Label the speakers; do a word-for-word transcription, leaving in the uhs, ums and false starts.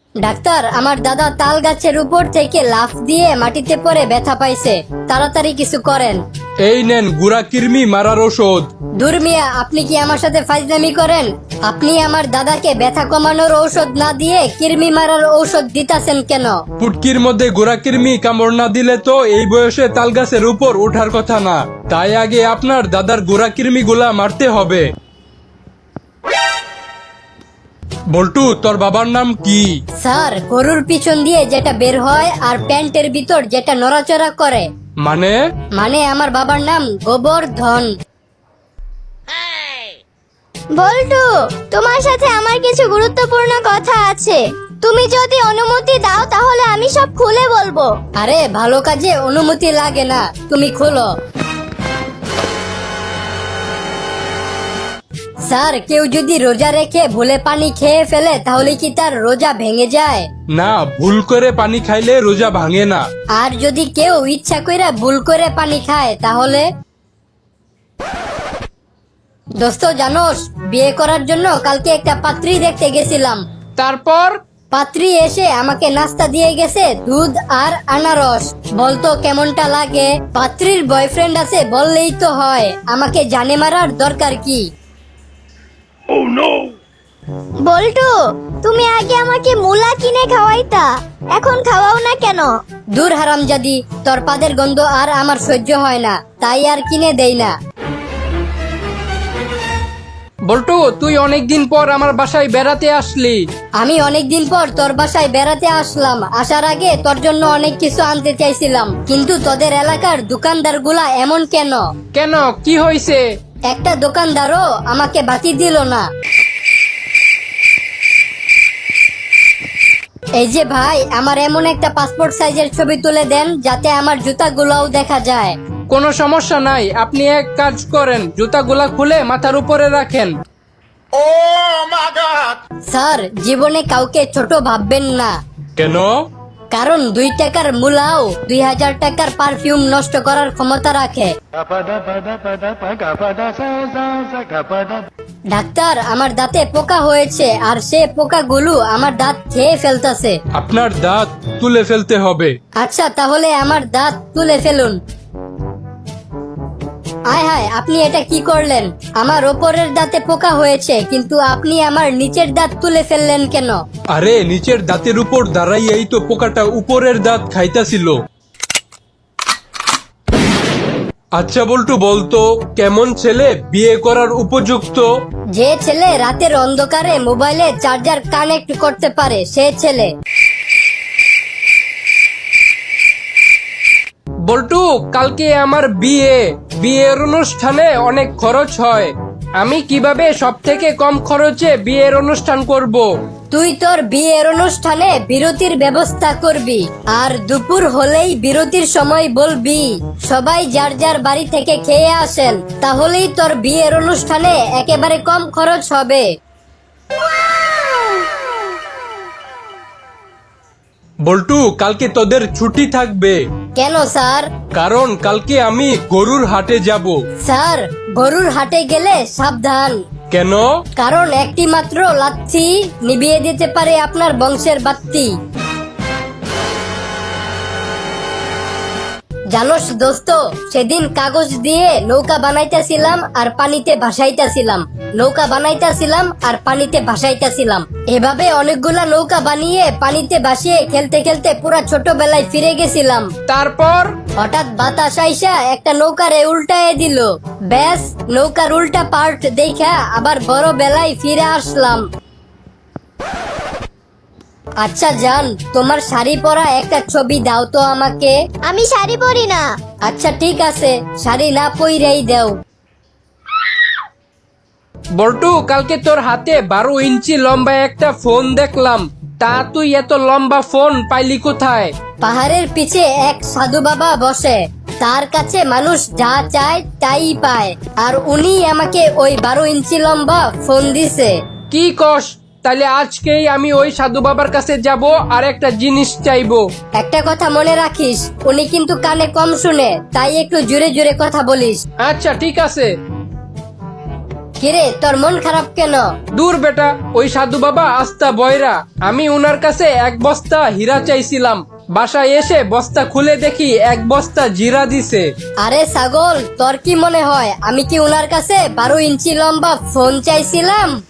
Speaker 1: Doctor, আমার দাদা তাল গাছের উপর থেকে লাফ দিয়ে মাটিতে পড়ে ব্যথা পাইছে, তাড়াতাড়ি কিছু করেন।
Speaker 2: এই নেন গুড়া কৃমি মারার ওষুধ।
Speaker 1: দূর মিয়া, আপনি কি আমার সাথে ফাজলামি করেন? আপনি আমার দাদাকে ব্যথা কমানোর ঔষধ না দিয়ে কৃমি মারার ঔষধ দিতাছেন কেন?
Speaker 2: পুটকির মধ্যে গুড়া কৃমি কামড় না দিলে তো এই বয়সে তাল গাছের উপর ওঠার কথা না। তাই আগে আপনার দাদার গুড়া কৃমি গুলা মারতে হবে। বল্টু, তোর বাবার নাম কি?
Speaker 1: স্যার, গরুর পিছন দিয়ে যেটা বের হয় আর প্যান্টের ভিতর যেটা নড়াচড়া করে।
Speaker 2: মানে?
Speaker 1: মানে আমার বাবার নাম গোবর্ধন।
Speaker 3: বল্টু, তোমার সাথে আমার কিছু গুরুত্বপূর্ণ কথা আছে। তুমি যদি অনুমতি দাও তাহলে আমি সব খুলে বলবো।
Speaker 1: আরে ভালো কাজে অনুমতি লাগে না, তুমি খোলো। স্যার, কেউ যদি রোজা রেখে ভুলে পানি খেয়ে ফেলে তাহলে কি তার রোজা ভেঙে যায়?
Speaker 2: না, ভুল করে পানি খাইলে রোজা ভাঙে না।
Speaker 1: আর যদি কেউ ইচ্ছা কইরা ভুল করে পানি খায় তাহলে? দোস্ত জানোস, বিয়ে করার জন্য কালকে একটা পাত্রী দেখতে গেছিলাম।
Speaker 2: তারপর?
Speaker 1: পাত্রী এসে আমাকে নাস্তা দিয়ে গেছে দুধ আর আনারস। বলতো কেমনটা লাগে? পাত্রীর বয়ফ্রেন্ড আছে বললেই তো হয়, আমাকে জানে মারার দরকার কি?
Speaker 3: বল্টু, তুমি আগে আমাকে মুলা কিনে খাওয়াইতা, এখন খাওয়াও না কেন?
Speaker 1: দূর হারামজাদি, তোর পাদের গন্ধ আর আমার সহ্য হয় না, তাই আর কিনে দেই না।
Speaker 4: বল্টু, তুই অনেকদিন পর আমার বাসায় বেড়াতে আসলি।
Speaker 1: আমি অনেকদিন পর তোর বাসায় বেড়াতে আসলাম। আসার আগে তোর জন্য অনেক কিছু আনতে চাইছিলাম, কিন্তু তোদের এলাকার দোকানদার গুলা এমন কেন?
Speaker 4: কেন, কি হয়েছে?
Speaker 1: একটা দোকানদারও আমাকে বাকি দিল না। এই যে ভাই, আমার এমন একটা পাসপোর্ট সাইজের ছবি তুলে দেন যাতে আমার জুতাগুলোও দেখা যায়।
Speaker 4: কোনো সমস্যা নাই, আপনি এক কাজ করেন, জুতাগুলা খুলে মাথার উপরে রাখেন।
Speaker 1: স্যার, জীবনে কাউকে ছোট ভাববেন না,
Speaker 2: কেন?
Speaker 1: কারণ দুই টাকার মূলাও দুই হাজার টাকার পারফিউম নষ্ট করার ক্ষমতা রাখে। ডাক্তার, আমার দাঁতে পোকা হয়েছে আর সে পোকাগুলো আমার দাঁত খেয়ে ফেলতেছে।
Speaker 2: আপনার দাঁত তুলে ফেলতে হবে।
Speaker 1: আচ্ছা, তাহলে আমার দাঁত তুলে ফেলুন। আয় হায়, আপনি এটা কি করলেন? আমার ওপরের দাঁতে পোকা হয়েছে, কিন্তু আপনি আমার নিচের দাঁত তুলে ফেললেন কেন?
Speaker 2: আরে, নিচের দাঁতের উপর দাঁড়াইয়াই তো পোকাটা উপরের দাঁত খাইতাছিল। আচ্ছা বল্টু, বলতো কেমন ছেলে বিয়ে করার উপযুক্ত?
Speaker 1: যে ছেলে রাতের অন্ধকারে মোবাইলে চার্জার কানেক্ট করতে পারে, সে ছেলে।
Speaker 4: বল্টু, কালকে আমার বিয়ে, বিয়ের অনুষ্ঠানে অনেক খরচ হয়। আমি কিভাবে সব থেকে কম খরচে বিয়ের অনুষ্ঠান করব?
Speaker 1: তুই তোর বিয়ের অনুষ্ঠানে বিরতির ব্যবস্থা করবি, আর দুপুর হলেই বিরতির সময় বলবি সবাই যার যার বাড়ি থেকে খেয়ে আসেন, তাহলেই তোর বিয়ের অনুষ্ঠানে একেবারে কম খরচ হবে।
Speaker 2: বল্টু, কালকে তোদের ছুটি থাকবে।
Speaker 1: কেন স্যার?
Speaker 2: কারণ কালকে আমি গরুর হাটে যাব।
Speaker 1: স্যার, গরুর হাটে গেলে সাবধান।
Speaker 2: কেন?
Speaker 1: কারণ একটি মাত্র লাথি নিভিয়ে দিতে পারে আপনার বংশের বাত্তি। জানোস দোস্ত, সেদিন কাগজ দিয়ে নৌকা বানাইতেছিলাম আর পানিতে ভাসাইতেছিলাম, নৌকা বানাইতেছিলাম আর পানিতে ভাসাইতেছিলাম। এভাবে অনেকগুলা নৌকা বানিয়ে পানিতে ভাসিয়ে খেলতে খেলতে পুরা ছোটবেলায় ফিরে গেছিলাম।
Speaker 4: তারপর?
Speaker 1: হঠাৎ বাতাস আইসা একটা নৌকারে উল্টায় দিল। ব্যাস, নৌকার উল্টা পার্ট দেখা আবার বড় বেলায় ফিরে আসলাম। আচ্ছা জান, তোমার শাড়ি পরা একটা ছবি দাও তো আমাকে।
Speaker 3: আমি শাড়ি পরি না।
Speaker 1: আচ্ছা ঠিক আছে, শাড়ি না পইরাই দাও।
Speaker 4: বল্টু, কালকে তোর হাতে বারো ইঞ্চি লম্বা একটা ফোন দেখলাম, তা তুই এত লম্বা ফোন পাইলি কোথায়?
Speaker 1: পাহাড়ের পিছে এক সাধু বাবা বসে, তার কাছে মানুষ যা চায় তাই পায়, আর উনি আমাকে ওই বারো ইঞ্চি লম্বা ফোন দিছে।
Speaker 4: কি কস? তাহলে আজকেই আমি ওই সাধু বাবার কাছে যাব আর একটা জিনিস চাইবো।
Speaker 1: একটা কথা মনে রাখিস, উনি কিন্তু কানে কম শুনে, তাই একটু জোরে জোরে কথা বলিস।
Speaker 4: আচ্ছা ঠিক আছে।
Speaker 1: কিরে তোর মন খারাপ কেন?
Speaker 4: দূর বেটা, ওই সাধু বাবা আস্তা বয়রা। আমি উনার কাছে এক বস্তা হীরা চাইছিলাম, বাসায় এসে বস্তা খুলে দেখি এক বস্তা জিরা দিছে।
Speaker 1: আরে ছাগল, তোর কি মনে হয় আমি কি উনার কাছে বারো ইঞ্চি লম্বা ফোন চাইছিলাম?